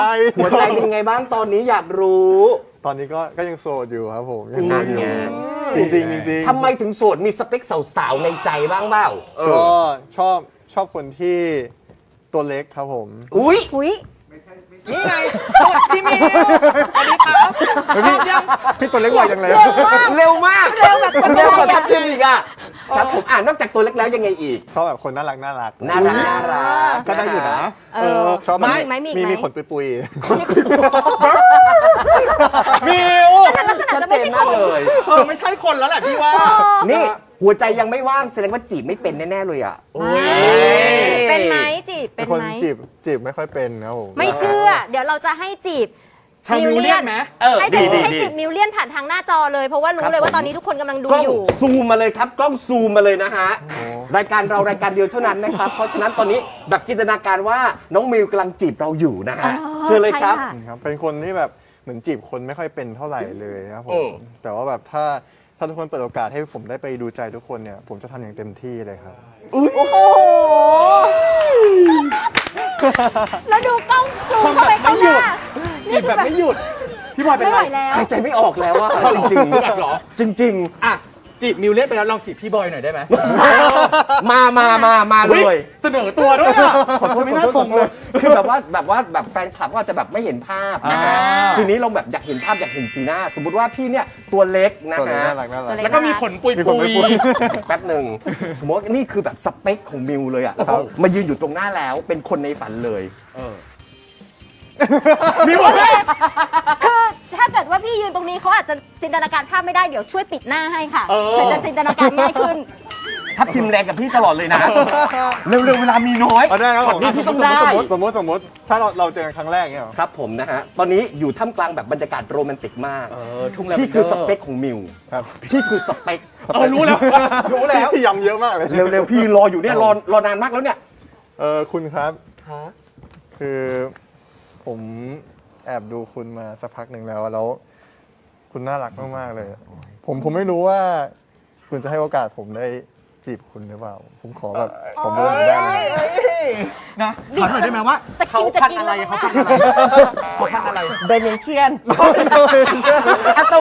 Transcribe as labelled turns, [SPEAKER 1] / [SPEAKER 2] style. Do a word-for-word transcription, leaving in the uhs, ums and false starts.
[SPEAKER 1] หัวใจเป็นไงบ้างตอนนี้อยากรู้
[SPEAKER 2] ตอนนี้ก็ก็ยังโสดอยู่ครับผมยั
[SPEAKER 1] นั่
[SPEAKER 2] โส
[SPEAKER 1] น
[SPEAKER 2] ดอยู่
[SPEAKER 1] ไง
[SPEAKER 2] จริงจริงจริง
[SPEAKER 1] ทำไมถึงโสดมีสเปคสาวๆในใจบ้างเปล่าเออ
[SPEAKER 2] ก็ชอบชอบคนที่ตัวเล็กครับผม
[SPEAKER 1] อุ้ย
[SPEAKER 3] อุ้ย
[SPEAKER 4] นี่ไงสวัสดีพี่มิวสวัสดีครับชอบยัง
[SPEAKER 2] พี่ตัวเล็กกว่าจังเลย
[SPEAKER 1] เร็วมาก
[SPEAKER 3] เร็วแบบ
[SPEAKER 1] เร็วกว่าทัพทิมอีกอ่ะครับผมอ่านนอกจากตัวเล็กแล้วยังไงอีก
[SPEAKER 2] ชอบแบบคนน่ารักน่ารัก
[SPEAKER 1] น่ารักน่ารัก
[SPEAKER 4] ก็ได้อยู่นะ
[SPEAKER 3] เออ
[SPEAKER 2] ชอบแบบ
[SPEAKER 3] มีอีกไหมมีอีก
[SPEAKER 2] มี
[SPEAKER 3] ไหม
[SPEAKER 2] มีขนปุย
[SPEAKER 4] มิว
[SPEAKER 3] แต่ลักษณะจะไม่ใช่
[SPEAKER 1] ชัด
[SPEAKER 3] ค
[SPEAKER 1] เจน
[SPEAKER 3] น
[SPEAKER 1] มากเลย
[SPEAKER 4] เออไม่ใช่คนแล้วแหละพี่ว่า
[SPEAKER 1] นี่หัวใจยังไม่ว่างแสดงว่าจีบไม่เป็นแน่ๆเลยอ่ะ
[SPEAKER 4] โอ้ย
[SPEAKER 3] เป็นไหมจีบ
[SPEAKER 2] ๆ
[SPEAKER 3] เป็น
[SPEAKER 2] คน
[SPEAKER 3] ไหม
[SPEAKER 2] จีบจีบไม่ค่อยเป็นครับผม
[SPEAKER 3] ไม่เชื่อ เดี๋ยวเราจะให้จีบ
[SPEAKER 4] ชาวมิวเลียนไหม
[SPEAKER 1] เออ
[SPEAKER 3] ให้
[SPEAKER 1] ดี
[SPEAKER 3] จีบ
[SPEAKER 1] ดี
[SPEAKER 3] ให้
[SPEAKER 1] ดี
[SPEAKER 3] จีบมิวเลียนผ่านทางหน้าจอเลย เพราะว่ารู้เลยว่าตอนนี้ทุกคนกำลังดู
[SPEAKER 1] กล้อง
[SPEAKER 3] อยู่
[SPEAKER 1] ซูมมาเลยครับกล้องซูมมาเลยนะฮะรายการเรารายการเดียวเท่านั้นนะครับ เพราะฉะนั้นตอนนี้แบบจินตนาการว่าน้องมิวกำลังจีบเราอยู่นะฮะ
[SPEAKER 3] อ๋อ
[SPEAKER 1] เชิญเลยครับ
[SPEAKER 3] ใช่ค่ะ
[SPEAKER 2] ครับเป็นคนที่แบบเหมือนจีบคนไม่ค่อยเป็นเท่าไหร่เลยครับผ
[SPEAKER 1] อื
[SPEAKER 2] ม
[SPEAKER 1] ม
[SPEAKER 2] แต่ว่าแบบถ้าถ้าทุกคนเปิดโอกาสให้ผมได้ไปดูใจทุกคนเนี่ยผมจะทำอย่างเต็มที่เลยครับ
[SPEAKER 3] โอ้โห แล้วดูกล้องซูม
[SPEAKER 4] ทำ
[SPEAKER 3] เข้า
[SPEAKER 4] แบ
[SPEAKER 3] ไป
[SPEAKER 4] บ
[SPEAKER 3] ข้า
[SPEAKER 4] ไม่
[SPEAKER 3] ง
[SPEAKER 4] ห
[SPEAKER 3] ห
[SPEAKER 4] ยุ
[SPEAKER 3] น้า
[SPEAKER 4] ดจีบแบบไม่หยุด พี่บอยเป็น
[SPEAKER 3] ไม่ไห
[SPEAKER 4] ไร
[SPEAKER 3] วแล้ว
[SPEAKER 1] หายใจไม่ออกแล้วว่าจริง
[SPEAKER 4] แบบเหรอ
[SPEAKER 1] ๆจริง
[SPEAKER 4] อ่ะจีบมิวเลียนไปแล้วลองจีบพี่บอยหน่อยได้ไหม
[SPEAKER 1] ๆ มามามามาเลย
[SPEAKER 4] เสนอตัวด้วยอ่ะ
[SPEAKER 1] ขอโทษ
[SPEAKER 4] ไม่
[SPEAKER 1] ขอ
[SPEAKER 4] น่า
[SPEAKER 1] โทษ
[SPEAKER 4] ชมเลย
[SPEAKER 1] คือแบบว่าแบบว่าแบบแฟนคลับก็อาจจะแบบไม่เห็นภาพนะฮะ
[SPEAKER 4] อ่า
[SPEAKER 1] ทีนี้เราแบบอยากเห็นภาพอยากเห็นสีหน้า สมมติว่าพี่เนี่ยตัวเล็กนะ
[SPEAKER 2] ตัวเล็ก
[SPEAKER 1] ฮะ
[SPEAKER 2] น่ารักน่ารั
[SPEAKER 3] ตัว
[SPEAKER 2] ก
[SPEAKER 3] เล็
[SPEAKER 4] แล้วก็มีขนปุย
[SPEAKER 2] มีข
[SPEAKER 4] ปุ
[SPEAKER 2] นปุ
[SPEAKER 4] ย
[SPEAKER 2] ยปุย
[SPEAKER 1] แป๊บหนึ่งสมมติว่านี่คือแบบสเปคของมิวเลยอ่ะแล้วก็มายืนอยู่ตรงหน้าแล้วเป็นคนในฝันเลย
[SPEAKER 4] มิว
[SPEAKER 3] คือถ้าเกิดว่าพี่ยืนตรงนี้เขาอาจจะจินตนาการภาพไม่ได้เดี๋ยวช่วยปิดหน้าให้ค่ะ
[SPEAKER 4] เออ
[SPEAKER 3] เผื่อจะจินตนาการง่ายขึ้น
[SPEAKER 1] ทับทิมแรงกับพี่ตลอดเลยนะ เร็วๆเวลามีน้อย
[SPEAKER 2] เอาได้ครับผม
[SPEAKER 1] นี่พี่ต้องได้
[SPEAKER 2] สมมติสมมติสมมติถ้าเราเราเจอกันครั้งแรกเนี่ยเหรอ
[SPEAKER 1] ครับผมนะฮะ ตอนนี้อยู่ท่ามกลางแบบบรรยากาศโรแมนติกมาก
[SPEAKER 4] เออทุ่งแล้ว
[SPEAKER 1] พี่คือสเปคของมิว
[SPEAKER 2] ครับ
[SPEAKER 1] พี่คือสเปค
[SPEAKER 4] เออรู้แล้วรู้แล้ว
[SPEAKER 2] พี่ย้ำเยอะมากเลย
[SPEAKER 1] เร็วๆพี่รออยู่เนี่ยรอรอนานมากแล้วเนี่ย
[SPEAKER 2] เออคุณครับคือผมแอบดูคุณมาสักพักหนึ่งแล้วแล้ว คุณน่ารักมากๆเลย ผมผมไม่รู้ว่า คุณจะให้โอกาสผมได้จีบคุณหรือเปล่า ผมขอแบบผมเดินได้ไหม
[SPEAKER 4] นะถามหน่อยได้ไหมว่า
[SPEAKER 3] จะกิ
[SPEAKER 4] เขา
[SPEAKER 3] นจะ
[SPEAKER 4] พัน
[SPEAKER 3] กิน
[SPEAKER 4] อะไร
[SPEAKER 3] แล้ว
[SPEAKER 4] เขาพันอะไรเขาพันอะไร
[SPEAKER 1] เบนเชียน